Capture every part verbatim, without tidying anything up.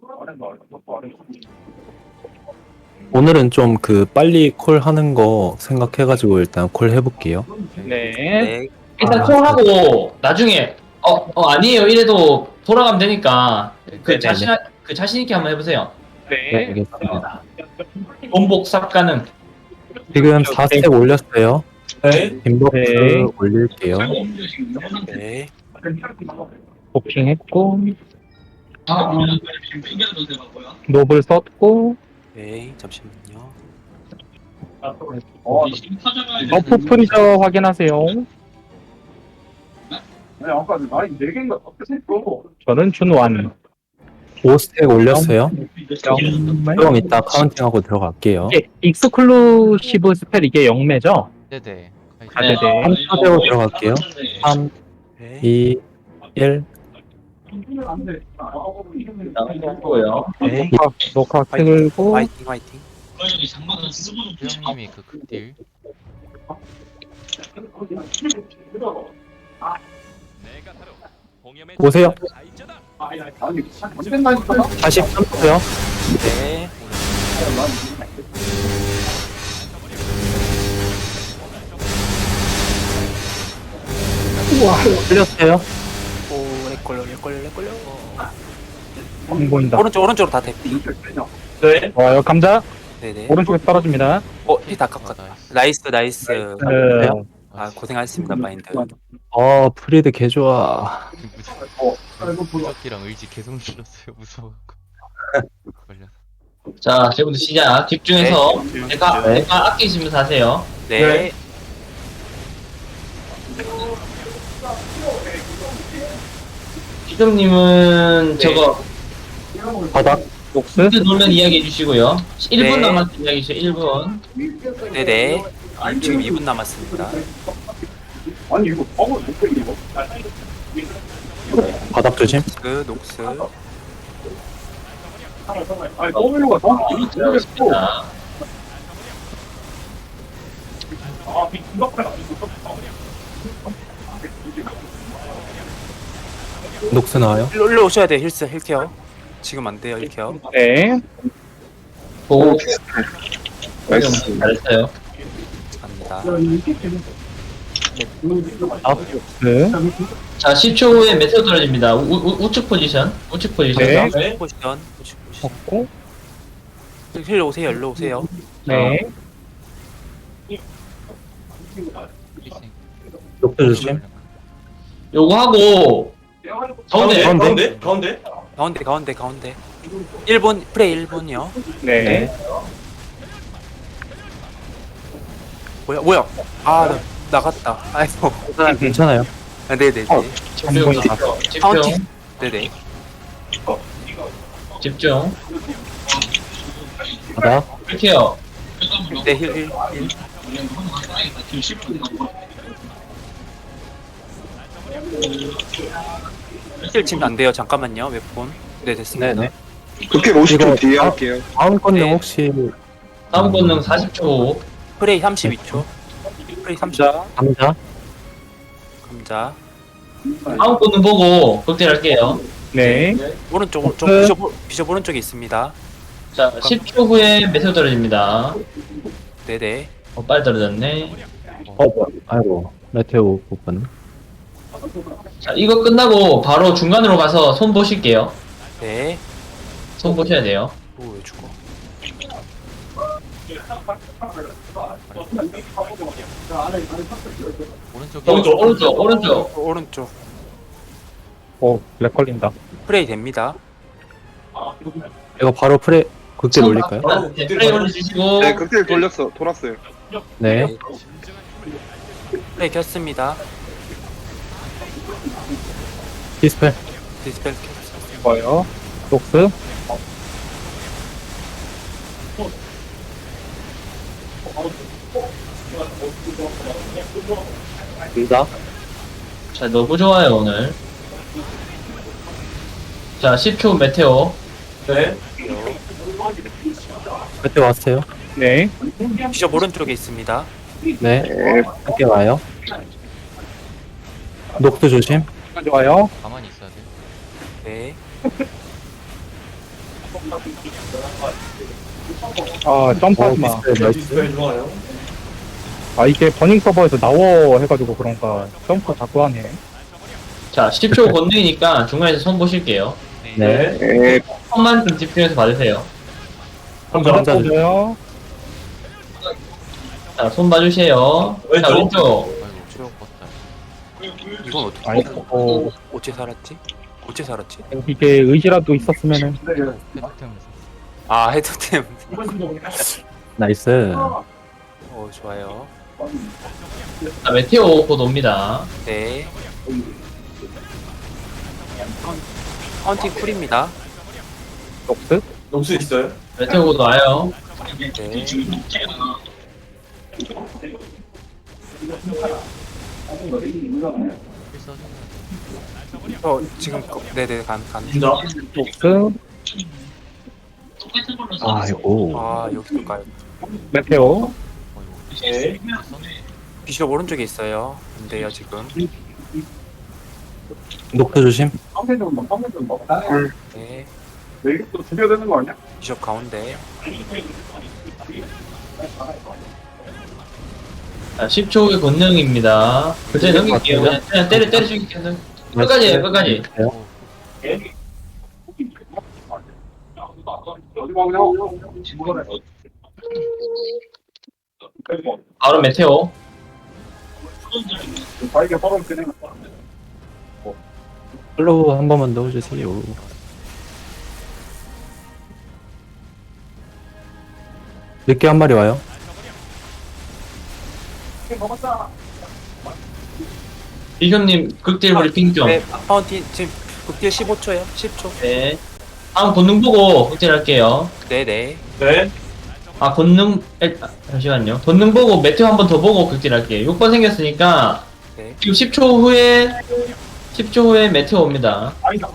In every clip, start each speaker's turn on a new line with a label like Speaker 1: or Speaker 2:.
Speaker 1: 오늘은 좀 그 빨리 콜 하는 거 생각해가지고 일단 콜 해볼게요.
Speaker 2: 네.
Speaker 3: 네.
Speaker 4: 일단
Speaker 1: 아,
Speaker 4: 콜하고 나중에 어, 어 아니에요 이래도 돌아가면 되니까 그
Speaker 1: 네네네.
Speaker 4: 자신 그 자신 있게 한번 해보세요.
Speaker 1: 네,
Speaker 2: 네.
Speaker 1: 알겠습니다.
Speaker 4: 본복 삽가능.
Speaker 1: 지금 사 스택 올렸어요.
Speaker 4: 네.
Speaker 1: 빈버프
Speaker 2: 네.
Speaker 1: 올릴게요.
Speaker 3: 네.
Speaker 2: 도핑했고
Speaker 4: 아,
Speaker 2: 노블 썼고
Speaker 3: 네. 잠시만요.
Speaker 2: 버프 프리저 확인하세요. 저는 준완.
Speaker 1: 오 스택 올렸어요.
Speaker 2: 영매.
Speaker 1: 좀 이따 카운팅하고 들어갈게요.
Speaker 2: 이게 익스클루시브 스펠 이게 영매죠?
Speaker 5: 네네.
Speaker 2: 아, 네네.
Speaker 1: 삼 초대로 들어갈게요. 삼,
Speaker 3: 네.
Speaker 1: 이, 일.
Speaker 4: 나오고요.
Speaker 3: 네.
Speaker 2: 녹화, 녹화 틀고
Speaker 3: 화이팅 화이팅.
Speaker 5: 수영님이 그 극딜.
Speaker 1: 오세요. 사십삼 초요.
Speaker 3: 네.
Speaker 1: 올렸어요.
Speaker 3: 오, 렉걸려, 렉걸려, 렉걸려.
Speaker 2: 안 보인다.
Speaker 3: 오른쪽, 오른쪽으로 다 대피.
Speaker 4: 네.
Speaker 2: 좋아요. 감자
Speaker 3: 네네.
Speaker 2: 오른쪽에 떨어집니다.
Speaker 3: 어, 힐다 깎았다. 나이스, 나이스.
Speaker 2: 네.
Speaker 3: 아, 고생하셨습니다, 마인드.
Speaker 1: 어, 프리드 개 좋아.
Speaker 5: 무적기랑 의지 계속 눌렀어요. 무서워. 걸려서.
Speaker 4: 자 지금부터 시작. 집중해서 내가
Speaker 1: 네.
Speaker 4: 내가 아끼시면서 하세요.
Speaker 3: 네.
Speaker 4: 기동님은 저거
Speaker 1: 바닥.
Speaker 2: 녹스
Speaker 4: 문제 놀면 이야기해 주시고요. 일 분
Speaker 3: 네.
Speaker 4: 남았을 때 이야기해 주세요. 일 분.
Speaker 3: 네네. 지금 이 분 남았습니다.
Speaker 1: 바닥 조심.
Speaker 3: 그, 녹스.
Speaker 4: 자,
Speaker 1: 녹스 나와요.
Speaker 3: 일로, 일로 오셔야 돼요, 힐스, 힐케어. 지금 안 돼요, 힐케어.
Speaker 2: 네.
Speaker 4: 보고 잘했어요.
Speaker 3: 갑니다.
Speaker 1: 아,
Speaker 2: 네.
Speaker 4: 자 십 초 후에 메테오 떨어집니다. 우, 우, 우측 포지션. 우측 포지션.
Speaker 2: 네.
Speaker 3: 포지션, 포지션, 포지션.
Speaker 2: 없고
Speaker 3: 힐 오세요, 일로 오세요.
Speaker 2: 네.
Speaker 5: 프리싱.
Speaker 1: 녹스 조심.
Speaker 4: 요거 하고 가운데
Speaker 1: 가운데?
Speaker 4: 가운데
Speaker 3: 가운데, 가운데, 가운데. 일 분, 프레이 일 분이요.
Speaker 2: 네.
Speaker 3: 뭐야, 뭐야. 아, 나, 나갔다. 아이고.
Speaker 1: 괜찮아요.
Speaker 3: 아, 네네네.
Speaker 2: 어. 안 보인다.
Speaker 4: 집중
Speaker 3: 카운팅. 네네.
Speaker 4: 집중.
Speaker 1: 바닥.
Speaker 4: 이렇게요.
Speaker 3: 네, 힐, 힐, 힐. 힐 치면 안 돼요. 잠깐만요. 몇 분? 네, 됐습니다.
Speaker 1: 네네.
Speaker 6: 그렇게 오십 초
Speaker 1: 이거
Speaker 6: 뒤에
Speaker 1: 다-
Speaker 6: 할게요.
Speaker 1: 다음 건데
Speaker 3: 네.
Speaker 1: 혹시
Speaker 4: 다음 권능 사십 초.
Speaker 3: 프레이 삼십이 초. 프레이 삼십.
Speaker 2: 감자
Speaker 1: 감자?
Speaker 3: 감자.
Speaker 4: 다음 권능 보고 극딜할게요.
Speaker 2: 네.
Speaker 3: 오른쪽, 오른쪽.
Speaker 2: 네.
Speaker 3: 비숍, 비숍 오른쪽에 있습니다.
Speaker 4: 자 십 초 후에 메테오 떨어집니다.
Speaker 3: 네네.
Speaker 4: 어, 빨리 떨어졌네.
Speaker 1: 어, 뭐야. 아이고. 메테오 부분.
Speaker 4: 자 이거 끝나고 바로 중간으로 가서 손 보실게요.
Speaker 3: 네.
Speaker 4: 손 보셔야 돼요.
Speaker 3: 오, 왜 죽어?
Speaker 5: 오른쪽에
Speaker 4: 오른쪽 오른쪽 오른쪽.
Speaker 3: 오른쪽.
Speaker 2: 오, 렉 걸린다.
Speaker 3: 프레이 됩니다.
Speaker 1: 이거 바로 프레 극딜 올릴까요?
Speaker 4: 네, 프레이 올려주시고.
Speaker 6: 네, 극딜 돌렸어. 돌았어요.
Speaker 1: 네.
Speaker 3: 프레이 켰습니다.
Speaker 1: 디스펠.
Speaker 3: 디스펠 켰습니다.
Speaker 2: 좋아요. 녹스
Speaker 1: 감자.
Speaker 4: 자 너무 좋아요 오늘. 자 십 초 메테오. 네.
Speaker 1: 메테오 왔어요.
Speaker 2: 네.
Speaker 3: 비숍 오른쪽에 있습니다.
Speaker 1: 네. 함께 와요. 녹스 조심.
Speaker 2: 좋아요.
Speaker 5: 가만히 있어야 돼.
Speaker 3: 네.
Speaker 2: 아, 점프하지 마.
Speaker 1: 어, 비슷해, 나이스.
Speaker 2: 아, 이게 버닝 서버에서 나워 해가지고 그런가. 점프 자꾸 하네.
Speaker 4: 자, 십 초 건너이니까 중간에서 손 보실게요.
Speaker 1: 네.
Speaker 6: 네.
Speaker 4: 손만 좀 집중해서 봐주세요.
Speaker 1: 혼자 혼자 주-
Speaker 2: 보여요?
Speaker 4: 자, 손 봐주세요. 자, 왼쪽.
Speaker 5: 아이고 추억 봤다.
Speaker 3: 이건 어떻게
Speaker 2: 아이고, 어,
Speaker 3: 어째 살았지? 어째 살았지?
Speaker 2: 이게 의지라도 있었으면은.
Speaker 5: 헤드템에서
Speaker 3: 아 헤드템.
Speaker 1: 나이스.
Speaker 3: 어 좋아요.
Speaker 4: 자, 메테오 곧 옵니다.
Speaker 3: 네. 카운팅 쿨입니다.
Speaker 2: 녹스?
Speaker 4: 메테오 곧 와요.
Speaker 3: 네.
Speaker 5: 필사주면
Speaker 3: 어 지금 거- 네네 간 간.
Speaker 2: 녹스?
Speaker 1: 아이고.
Speaker 3: 아 여기도 가요.
Speaker 2: 메테오?
Speaker 5: 어이구
Speaker 3: 비숍 오른쪽에 있어요. 안 돼요 지금.
Speaker 1: 녹트 조심.
Speaker 3: 네.
Speaker 6: 또 죽여야 되는 거 아니야?
Speaker 3: 비숍 가운데.
Speaker 4: 자, 십 초 후에 권능입니다. 그때 넘길게요. 그냥, 그냥 때려, 때려 죽일게요. 끝까지 해요, 끝까지.
Speaker 5: 어,
Speaker 4: 바로 메테오.
Speaker 1: 플로우 한 번만 넣어주세요. 늦게 한 마리 와요.
Speaker 4: 비숍님, 극딜 브리핑 좀.
Speaker 3: 네. 카운팅 지금 극딜 십오 초요. 십 초.
Speaker 4: 네. 다음 권능 보고 극딜 할게요.
Speaker 3: 네네.
Speaker 4: 아, 권능, 에, 아, 잠시만요. 권능 보고 메테오 한 번 더 보고 극딜 할게요. 육 번 생겼으니까,
Speaker 3: 네.
Speaker 4: 지금 십 초 후에, 십 초 후에 메테오 옵니다.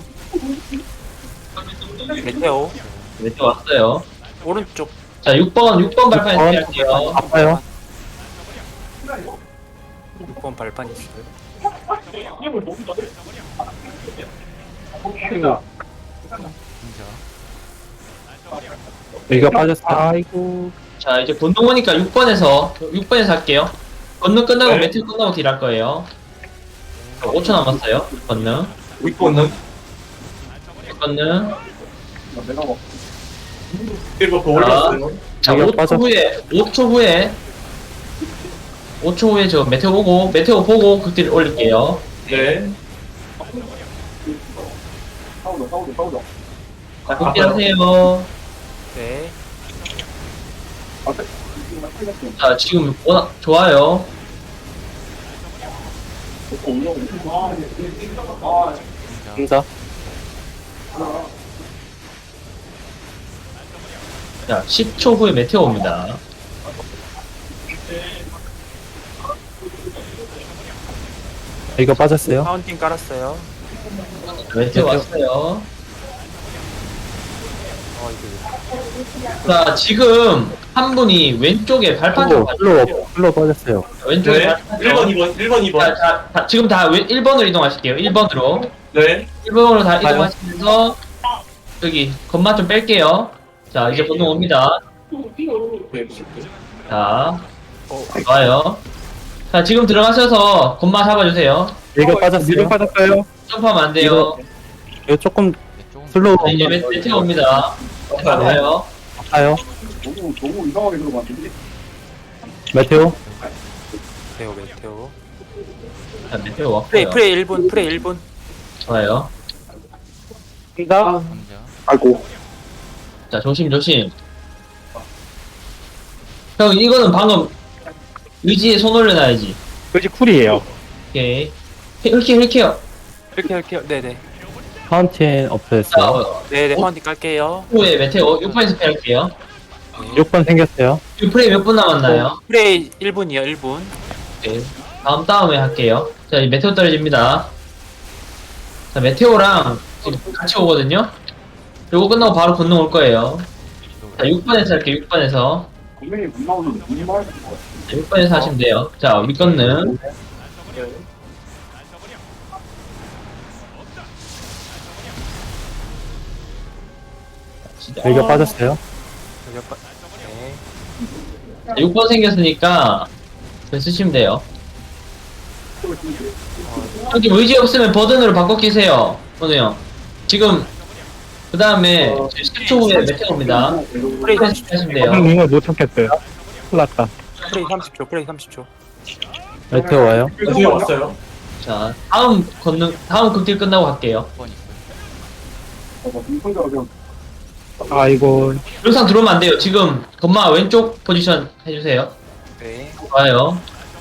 Speaker 3: 메테오
Speaker 4: 메테오 왔어요.
Speaker 3: 오른쪽.
Speaker 4: 자, 육 번, 육 번 발판 극딜 할게요.
Speaker 1: 아파요.
Speaker 3: 육 번 발판 있어요.
Speaker 5: 진짜
Speaker 1: 여기가 빠졌어요.
Speaker 2: 아이고.
Speaker 4: 자, 이제 권능 오니까 육 번에서, 육 번에서 할게요. 권능 끝나고 메테오 끝나고 딜 할 거예요. 자, 오 초 남았어요. 권능. 육 번능. 육 번능. 자,
Speaker 1: 여기가
Speaker 4: 오 초
Speaker 1: 빠졌-
Speaker 4: 후에, 오 초 후에, 오 초 후에 저 메테오 보고, 메테오 보고 극딜 올릴게요. 네. 자, 극딜 하세요.
Speaker 3: 네.
Speaker 4: 자, 지금 워낙 좋아요.
Speaker 5: 진짜
Speaker 1: 혼자.
Speaker 4: 자, 십 초 후에 메테오 옵니다.
Speaker 1: 여기가 빠졌어요.
Speaker 3: 카운팅 깔았어요.
Speaker 4: 메테오 왔어요.
Speaker 3: 어 이거.
Speaker 4: 자, 지금 한 분이 왼쪽에 발판 좀
Speaker 1: 플로우,
Speaker 4: 봐주세요.
Speaker 1: 플로우, 플로우 빠졌어요.
Speaker 4: 왼쪽에 발판 좀.
Speaker 7: 일 번, 이 번, 일 번, 이 번.
Speaker 4: 자, 자, 자, 지금 다 일 번으로 이동하실게요. 일 번으로.
Speaker 7: 네.
Speaker 4: 일 번으로 다 이동하시면서 여기 건마 좀 뺄게요. 자, 이제 본능 옵니다. 자, 좋아요. 자, 지금 들어가셔서 건마 잡아주세요.
Speaker 1: 여기가
Speaker 2: 미드
Speaker 1: 빠졌어요.
Speaker 2: 빠졌어요?
Speaker 4: 점프하면 안 돼요.
Speaker 1: 이거 조금
Speaker 5: 네, 조금
Speaker 1: 슬로우
Speaker 4: 자, 이제 메- 메테오 옵니다. 잡아요.
Speaker 1: 아파요.
Speaker 6: 너무 너무 이상하게 들어갔는데.
Speaker 1: 메테오.
Speaker 3: 메테오 메테오.
Speaker 4: 자, 메테오
Speaker 3: 프레이
Speaker 4: 왔고요.
Speaker 3: 프레이 일 분 프레이 일 분.
Speaker 4: 좋아요.
Speaker 2: 나
Speaker 5: 남자
Speaker 6: 아이고.
Speaker 4: 자, 조심, 조심. 형, 이거는 방금 의지에 손 올려놔야지.
Speaker 2: 그지 쿨이에요.
Speaker 4: 오케이. 힐케어, 힐케어.
Speaker 3: 이렇게 할게요. 네네.
Speaker 1: 파운틴
Speaker 4: 자,
Speaker 1: 업됐어요.
Speaker 4: 어,
Speaker 3: 네네
Speaker 4: 어?
Speaker 3: 카운팅 깔게요.
Speaker 4: 후에 메테오 육 번에서 패할게요.
Speaker 1: 육 번 생겼어요.
Speaker 4: 지금 프레이 몇 분 남았나요?
Speaker 3: 프레이 일 분이요 일 분.
Speaker 4: 오케이. 다음 다음에 할게요. 자, 이 메테오 떨어집니다. 자, 메테오랑 지금 같이 오거든요? 그리고 끝나고 바로 건능 올 거예요. 자, 육 번에서 할게요, 육 번에서.
Speaker 6: 분명히 못 나오는데 무슨 말 하는 거야?
Speaker 4: 자, 육 번에서 하시면 돼요. 자, 윗건능.
Speaker 1: 일격 빠졌어요.
Speaker 3: 저격 빠- 네.
Speaker 4: 자, 육 번 생겼으니까 그거 쓰시면 돼요. 여기 의지 없으면 버든으로 바꿔 끼세요. 오늘 형. 지금 그 다음에 십 초 후에 메테오입니다. 프레이 하시면 돼요.
Speaker 2: 저는 이걸 못 찾겠어요. 큰일 났다.
Speaker 3: 프레이 삼십 초, 프레이 삼십 초.
Speaker 1: 메테오 와요.
Speaker 4: 자, 다음 건능, 다음 극딜 끝나고 갈게요.
Speaker 5: 번 있어요.
Speaker 2: 아이고,
Speaker 4: 영상 들어오면 안 돼요. 지금 건마 왼쪽 포지션 해주세요.
Speaker 3: 네.
Speaker 4: 좋아요.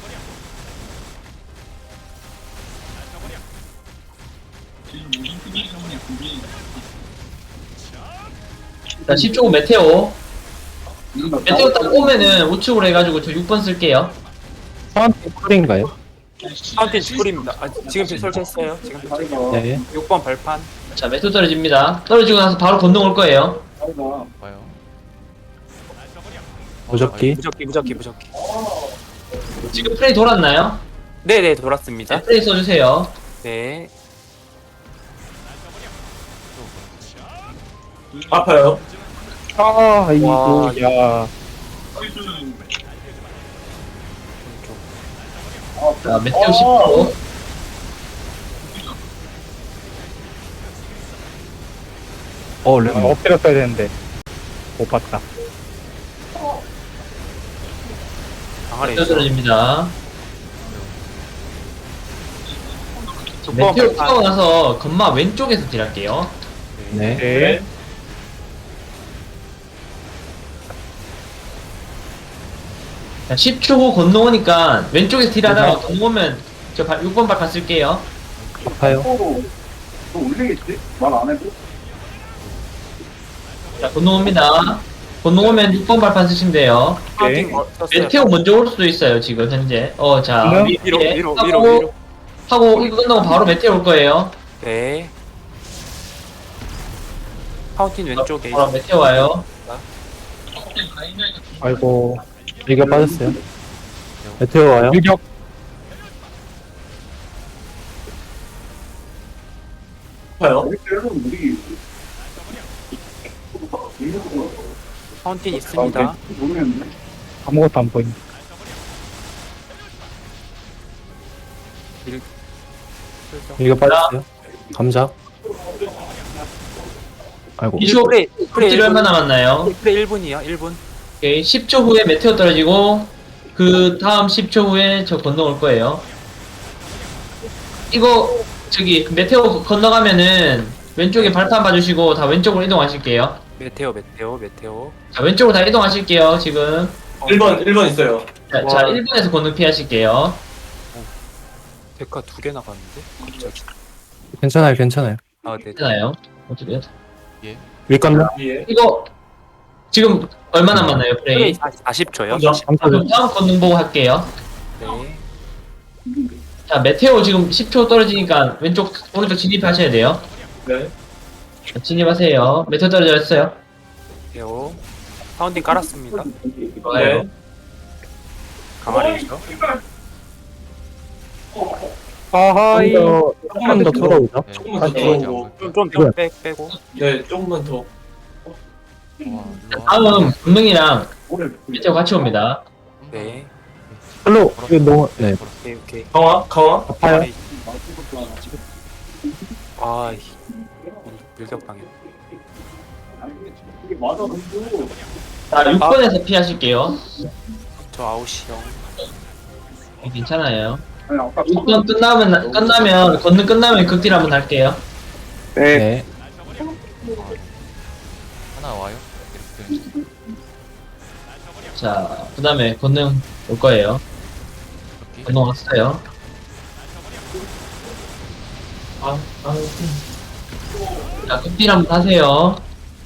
Speaker 4: 자, 십 초 후 메테오. 메테오 딱 오면은 우측으로 해가지고 저 육 번 쓸게요.
Speaker 1: 사한테 쿨인가요?
Speaker 3: 파운틴 쿨입니다. 아, 지금 설치했어요. 지금 설치.
Speaker 1: 네.
Speaker 3: 육 번 발판.
Speaker 4: 자, 메테오 떨어집니다. 떨어지고 나서 바로 건너 올 거예요.
Speaker 5: 봐요.
Speaker 1: 무적기.
Speaker 3: 무적기, 무적기, 무적기.
Speaker 4: 지금 프레이 돌았나요?
Speaker 3: 네네, 돌았습니다.
Speaker 4: 자, 프레이 써주세요.
Speaker 3: 네.
Speaker 2: 아, 아이고,
Speaker 3: 와,
Speaker 2: 야.
Speaker 4: 자, 메테오 십 초.
Speaker 1: 어, 레
Speaker 2: 아, 엎드렸어야 되는데. 못 봤다.
Speaker 3: 강아리.
Speaker 4: 메테오 떨어집니다.
Speaker 3: 육 번
Speaker 4: 메테오
Speaker 3: 발판.
Speaker 4: 타고 나서 건마 왼쪽에서 딜할게요.
Speaker 1: 네.
Speaker 2: 네.
Speaker 4: 자, 십 초 후 건너오니까 왼쪽에서 딜하다가 건너오면 저 육 번 발판 쓸게요.
Speaker 1: 아파요.
Speaker 6: 너 올리겠지? 말 안 해도?
Speaker 4: 자, 건너옵니다. 건너오면 육 번 발판 쓰시면 돼요.
Speaker 3: 파운틴 거 썼어요.
Speaker 4: 메테오 먼저 올 수도 있어요, 지금 현재. 어, 자,
Speaker 2: 그러면?
Speaker 4: 위-
Speaker 3: 위로,
Speaker 4: 위에
Speaker 3: 위로,
Speaker 4: 하고,
Speaker 3: 위로, 위로.
Speaker 4: 하고 이거 끝나고 바로 메테오 올 거예요.
Speaker 3: 네. 파운틴 왼쪽에.
Speaker 4: 바로 메테오 와요.
Speaker 2: 아이고,
Speaker 1: 일격 빠졌어요. 메테오 와요.
Speaker 2: 일격.
Speaker 6: 우리 때는 우리
Speaker 3: 파운틴 있습니다.
Speaker 6: 모르겠네.
Speaker 2: 아무것도 안 보인다.
Speaker 1: 일격 빠졌어요. 감자. 아이고.
Speaker 4: 이슈
Speaker 3: 프레이, 프레이
Speaker 4: 딜
Speaker 3: 일
Speaker 4: 얼마
Speaker 3: 분.
Speaker 4: 남았나요?
Speaker 3: 프레이 일 분이요, 일 분.
Speaker 4: 오케이, 십 초 후에 메테오 떨어지고 그 다음 십 초 후에 저 건너올 거예요. 이거 저기 메테오 건너가면은 왼쪽에 발판 봐주시고 다 왼쪽으로 이동하실게요.
Speaker 3: 메테오, 메테오, 메테오.
Speaker 4: 자, 왼쪽으로 다 이동하실게요. 지금
Speaker 7: 일 번, 일 번 있어요.
Speaker 4: 자,
Speaker 3: 와.
Speaker 4: 자 일 번에서 건너 피하실게요.
Speaker 3: 데카 두 개 나갔는데? 갑자기.
Speaker 1: 괜찮아요, 괜찮아요.
Speaker 3: 아, 네.
Speaker 4: 괜찮아요. 어떻게
Speaker 1: 윗감자.
Speaker 7: 예.
Speaker 4: 이거 지금 얼마 남았나요,
Speaker 3: 프레이
Speaker 4: 프레이?
Speaker 3: 사십 초요.
Speaker 7: 먼저.
Speaker 1: 감자.
Speaker 4: 그럼 다음 건능 보고 할게요.
Speaker 3: 네.
Speaker 4: 자, 메테오 지금 십 초 떨어지니까 왼쪽 오른쪽 진입하셔야 돼요.
Speaker 7: 네.
Speaker 4: 자, 진입하세요. 메테오 떨어졌어요.
Speaker 3: 메테오. 파운틴 깔았습니다.
Speaker 4: 좋아요.
Speaker 7: 네.
Speaker 3: 강아리죠.
Speaker 2: 아하이.
Speaker 1: 조금만 더 돌아오죠.
Speaker 5: 네.
Speaker 7: 조금만 더
Speaker 5: 네.
Speaker 7: 들어오고.
Speaker 3: 좀, 좀, 좀 빼, 빼고.
Speaker 7: 네, 조금만 더.
Speaker 5: 와, 일로 와.
Speaker 4: 다음 건능이랑
Speaker 6: 오래
Speaker 4: 메테오 같이 옵니다.
Speaker 3: 네.
Speaker 1: 별로, 이거 너무, 네.
Speaker 3: 오케이, 오케이.
Speaker 7: 강화, 강화.
Speaker 1: 아파요.
Speaker 3: 강아리. 아, 이 밀격 당했.
Speaker 6: 이게 맞아, 근데.
Speaker 4: 자, 육 번에서 피하실게요.
Speaker 3: 저 아웃이요.
Speaker 4: 괜찮아요.
Speaker 6: 아니, 아까
Speaker 4: 육 번 끝나면, 끝나면, 건능 끝나면 극딜 한번 할게요.
Speaker 1: 네.
Speaker 5: 하나 와요. 이렇게.
Speaker 4: 자, 그 다음에 건능 올 거예요.
Speaker 5: 이렇게.
Speaker 4: 건능 왔어요.
Speaker 7: 아, 아.
Speaker 4: 자, 극딜 한번 하세요.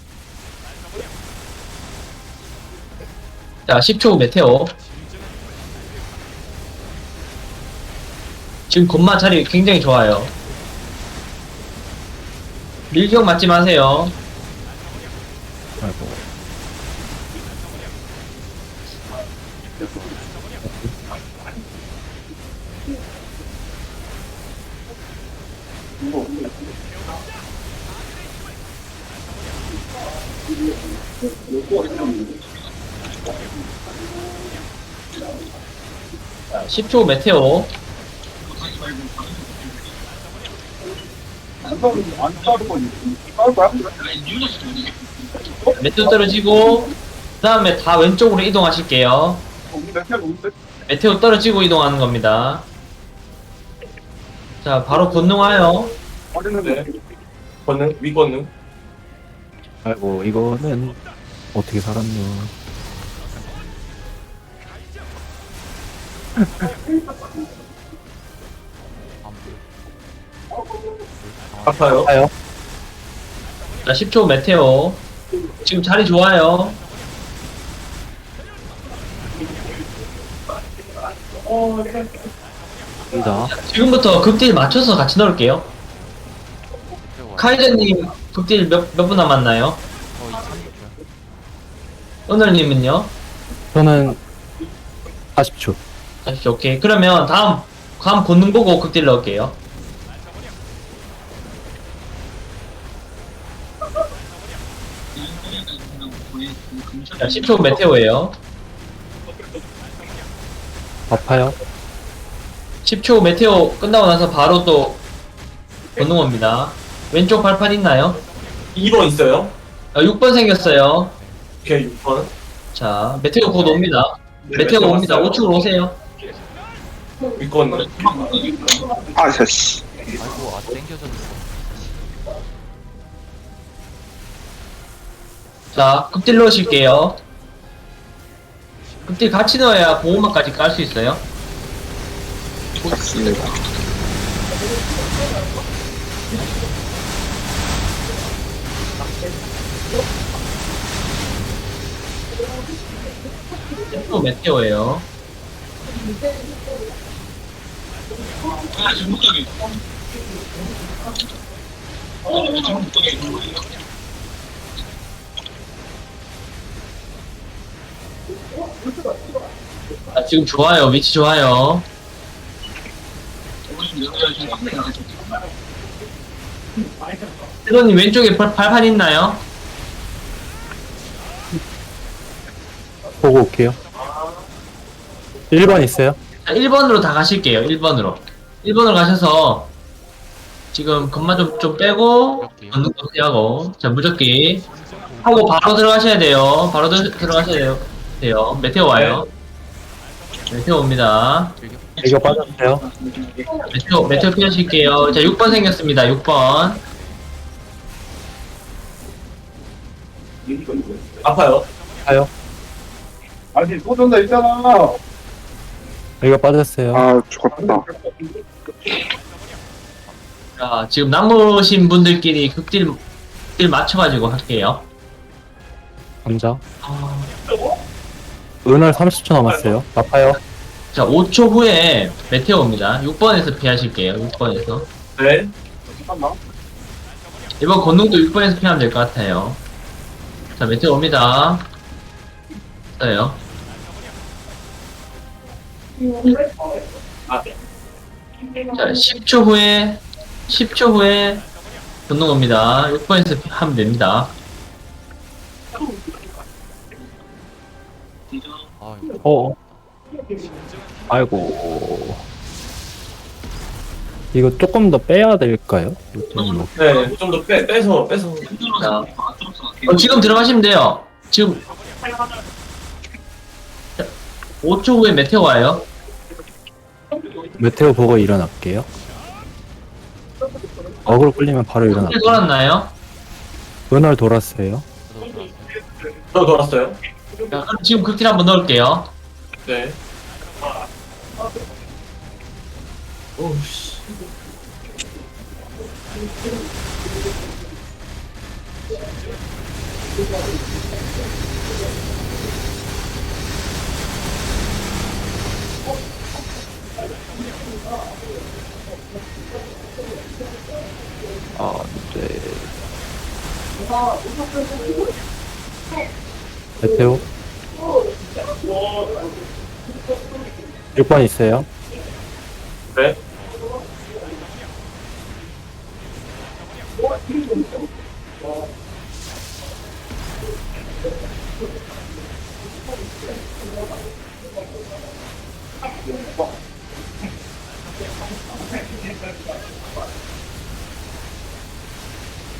Speaker 4: 자, 십 초 후 메테오. 지금 건마 자리 굉장히 좋아요. 밀격 맞지 마세요.
Speaker 1: 아이고.
Speaker 4: 자, 십 초 메테오.
Speaker 6: 안 싸우는 안 싸우는 건 싸울 거야?
Speaker 4: 메테오 떨어지고 그 다음에 다 왼쪽으로 이동하실게요.
Speaker 6: 우리 몇 개가 오는데?
Speaker 4: 메테오 떨어지고 이동하는 겁니다. 자, 바로 건너와요.
Speaker 6: 어렸는데.
Speaker 7: 네. 권능 위 권능.
Speaker 1: 아이고 이거는 어떻게 살았노.
Speaker 7: 아파요.
Speaker 1: 아요.
Speaker 4: 자, 십 초 메테오. 지금 자리 좋아요.
Speaker 1: 이다.
Speaker 4: 지금부터 극딜 맞춰서 같이 넣을게요. 카이저님 극딜 몇, 몇 분 남았나요?
Speaker 5: 거의 삼십 초요.
Speaker 4: 오늘님은요?
Speaker 1: 저는 사십 초.
Speaker 4: 다시 오케이. 그러면 다음, 다음 본능 보고 극딜 넣을게요. 자, 십 초 메테오예요.
Speaker 1: 아파요.
Speaker 4: 십 초 메테오 끝나고 나서 바로 또 본능 옵니다. 왼쪽 발판 있나요?
Speaker 7: 이 번 있어요.
Speaker 4: 아, 육 번 생겼어요.
Speaker 7: 오케이 육 번.
Speaker 4: 자, 메테오 곧 옵니다. 메테오 옵니다. 우측으로 오세요.
Speaker 7: 위 권능.
Speaker 6: 아, 씨.
Speaker 5: 아이고 아 땡겨졌어.
Speaker 4: 자, 극딜 넣으실게요. 극딜 같이 넣어야 보호막까지 깔 수 있어요.
Speaker 6: 맞습니다.
Speaker 4: 또 메테오예요. 아, 지금 좋아요. 위치 좋아요. 트로님 왼쪽에 발, 발판 있나요?
Speaker 1: 보고 올게요. 일 번 있어요.
Speaker 4: 자, 일 번으로 다 가실게요. 일 번으로. 일 번으로 가셔서 지금 건마 좀, 좀 빼고 건능도 피하고 자 무적기 하고 바로 들어가셔야 돼요. 바로 들, 들어가셔야 돼요. 돼요. 메테오 와요. 메테오 옵니다.
Speaker 1: 이거 빠졌어요.
Speaker 4: 메테오, 메테오 피하실게요. 자, 육 번 생겼습니다. 육 번.
Speaker 7: 아파요.
Speaker 1: 아요.
Speaker 6: 아니, 또 전다 있잖아.
Speaker 1: 이거 빠졌어요.
Speaker 6: 아, 죽었다.
Speaker 4: 자, 지금 남으신 분들끼리 극딜, 극딜 맞춰가지고 할게요.
Speaker 1: 감자. 은월 삼십 초 남았어요. 아파요.
Speaker 4: 자, 오 초 후에 메테오 옵니다. 육 번에서 피하실게요. 육 번에서.
Speaker 7: 네.
Speaker 6: 잠깐만.
Speaker 4: 이번 건능도 육 번에서 피하면 될 것 같아요. 자, 메테오 옵니다. 있어요. 자, 십 초 후에, 십 초 후에 건능 옵니다. 육 번에서 하면 됩니다.
Speaker 5: 아이고
Speaker 1: 어. 아이고. 이거 조금 더 빼야 될까요? 좀
Speaker 7: 네. 좀 더 빼 빼서 빼서.
Speaker 4: 자, 어, 지금 들어가시면 돼요. 지금 자, 오 초 후에 메테오 와요.
Speaker 1: 메테오 보고 일어날게요. 어그로 끌리면 바로
Speaker 4: 어떻게
Speaker 1: 일어날게요.
Speaker 4: 돌았나요?
Speaker 1: 은월 돌았어요.
Speaker 5: 저도 돌았어요.
Speaker 7: 저 돌았어요.
Speaker 4: 자, 그럼 지금 극딜 한번 넣을게요.
Speaker 7: 네. 오씨.
Speaker 1: 아, 네. 메테오. 육 번 있어요.
Speaker 7: 네.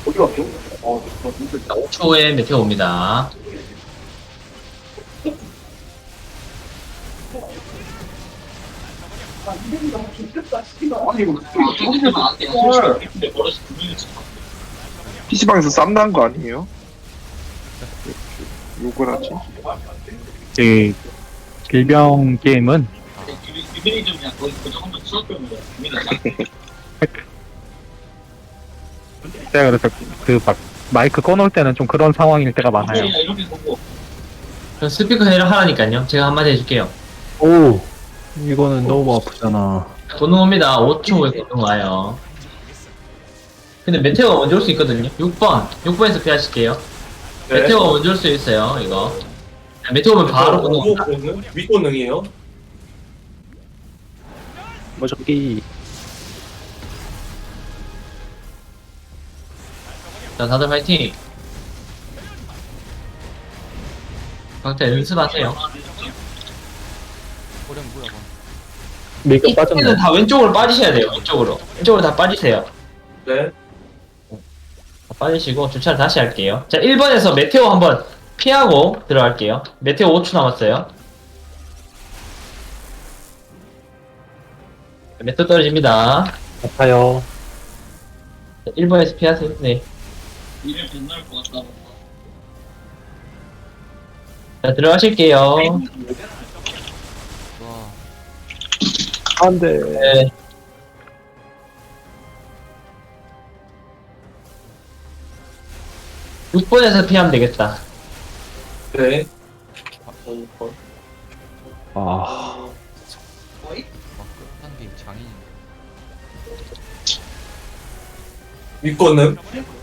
Speaker 6: 어디 갔어? 어, 저 진짜
Speaker 4: 자, 오 초 후에 메테오 옵니다.
Speaker 6: 아니 이거 피시방에서 쌈난 거 아니에요? 욕을 하지?
Speaker 2: 이 길병 게임은 제가 그래서 그 막 마이크 꺼놓을 때는 좀 그런 상황일 때가 많아요.
Speaker 4: 그럼 스피커 해라 하라니까요. 제가 한마디 해줄게요.
Speaker 1: 오, 이거는 너무 아프잖아.
Speaker 4: 권능 옵니다. 오 초 후에 권능 와요. 근데 메테오가 먼저 올 수 있거든요. 육 번. 육 번에서 피하실게요.
Speaker 7: 네.
Speaker 4: 메테오가 먼저 올 수 있어요, 이거. 메테오 오면 바로 권능
Speaker 7: 오고
Speaker 4: 옵니다.
Speaker 7: 권능? 윗권능이에요?
Speaker 1: 뭐저기
Speaker 4: 자, 다들 파이팅! 각자 연습하세요.
Speaker 5: 호령 뭐야 방.
Speaker 1: 밀가
Speaker 4: 이때는
Speaker 1: 빠졌네.
Speaker 4: 다 왼쪽으로 빠지셔야 돼요, 왼쪽으로. 왼쪽으로 다 빠지세요.
Speaker 7: 네.
Speaker 4: 다 빠지시고, 주차를 다시 할게요. 자, 일 번에서 메테오 한번 피하고 들어갈게요. 메테오 오 초 남았어요. 메테오 떨어집니다.
Speaker 1: 아파요.
Speaker 4: 자, 일 번에서 피하세요. 네. 자, 들어가실게요.
Speaker 5: 와
Speaker 1: 안 돼.
Speaker 4: 네. 육 번에서 피하면 되겠다.
Speaker 7: 네.
Speaker 1: 아,
Speaker 5: 와, 끝난 게 장인인데.
Speaker 7: 윗권능?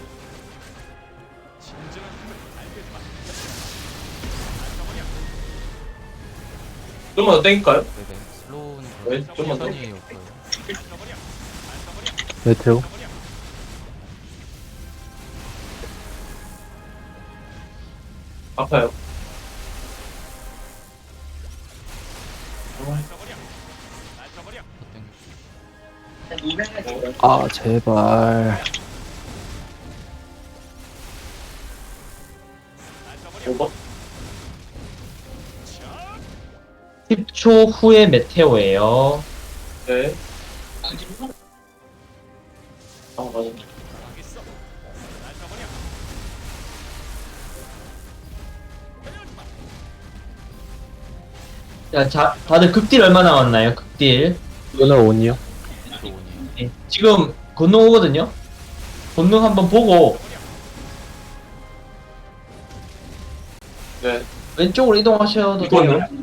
Speaker 7: 좀만 더 땡길까요?
Speaker 5: 네네. 슬로우는
Speaker 7: 네,
Speaker 5: 그렇고
Speaker 7: 좀만 더.
Speaker 5: 천천히 없어요.
Speaker 1: 메테오.
Speaker 7: 아파요.
Speaker 5: 더 땡겨.
Speaker 1: 아, 제발.
Speaker 7: 오 번?
Speaker 4: 십 초 후에 메테오예요.
Speaker 7: 네. 아, 맞아.
Speaker 4: 자, 자, 다들 극딜 얼마 남았나요? 극딜.
Speaker 1: 이거는 온이요?
Speaker 5: 또 오니요.
Speaker 4: 네. 지금 권능 오거든요? 권능 한번 보고
Speaker 7: 네.
Speaker 4: 왼쪽으로 이동하셔도
Speaker 7: 윗권능?
Speaker 4: 돼요.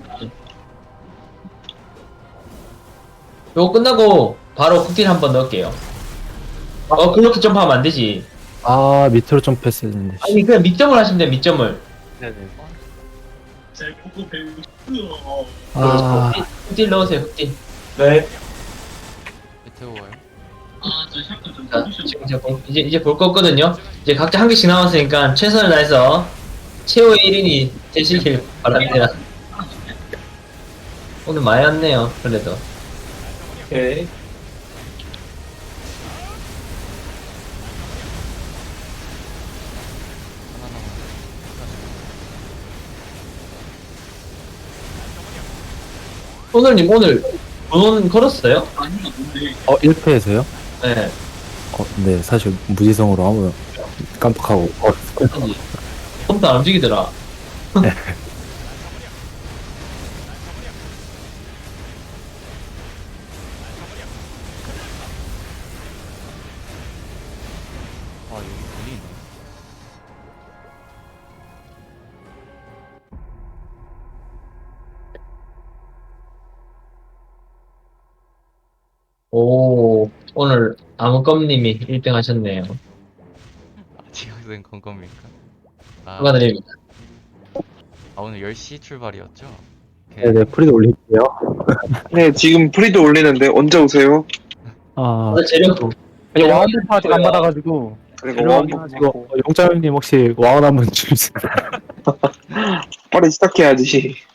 Speaker 4: 요거 끝나고 바로 극딜 한번 넣을게요. 어, 그렇게 점프하면 안 되지.
Speaker 1: 아, 밑으로 점프했어야 했는데.
Speaker 4: 아니, 그냥 밑점을 하시면 돼요, 밑점을.
Speaker 1: 네네. 아,
Speaker 4: 극딜 넣으세요, 극딜.
Speaker 7: 네.
Speaker 5: 메테오 와요.
Speaker 4: 자, 지금 이제, 볼- 이제, 이제 볼 거거든요. 이제 각자 한 개씩 남았으니까 최선을 다해서 최후의 일 인이 되시길 바랍니다. 오늘 많이 왔네요, 그래도.
Speaker 7: 오케이.
Speaker 5: 하나 남았네.
Speaker 4: 오늘님, 오늘 돈 걸었어요?
Speaker 1: 어, 일 패에서요?
Speaker 4: 네.
Speaker 1: 어, 네, 사실 무지성으로 아무 깜빡하고. 어,
Speaker 4: 손도 안 움직이더라.
Speaker 5: 아 여기 돈이 있네.
Speaker 4: 오, 오늘 아무껌님이 일 등 하셨네요.
Speaker 5: 아 지각생 건겁니까? 아,
Speaker 4: 축하드립니다.
Speaker 5: 아 오늘 열 시 출발이었죠?
Speaker 1: 네네, 프리드 올릴게요.
Speaker 6: 네, 지금 프리드 올리는데 언제 오세요?
Speaker 1: 아,
Speaker 4: 오늘 재력,
Speaker 2: 아니 와운드 아직 안 받아가지고
Speaker 6: 그리고
Speaker 2: 이거
Speaker 6: 와운드
Speaker 1: 이거, 용자형님 혹시 와운 한번 주세요.
Speaker 6: 빨리 시작해야지.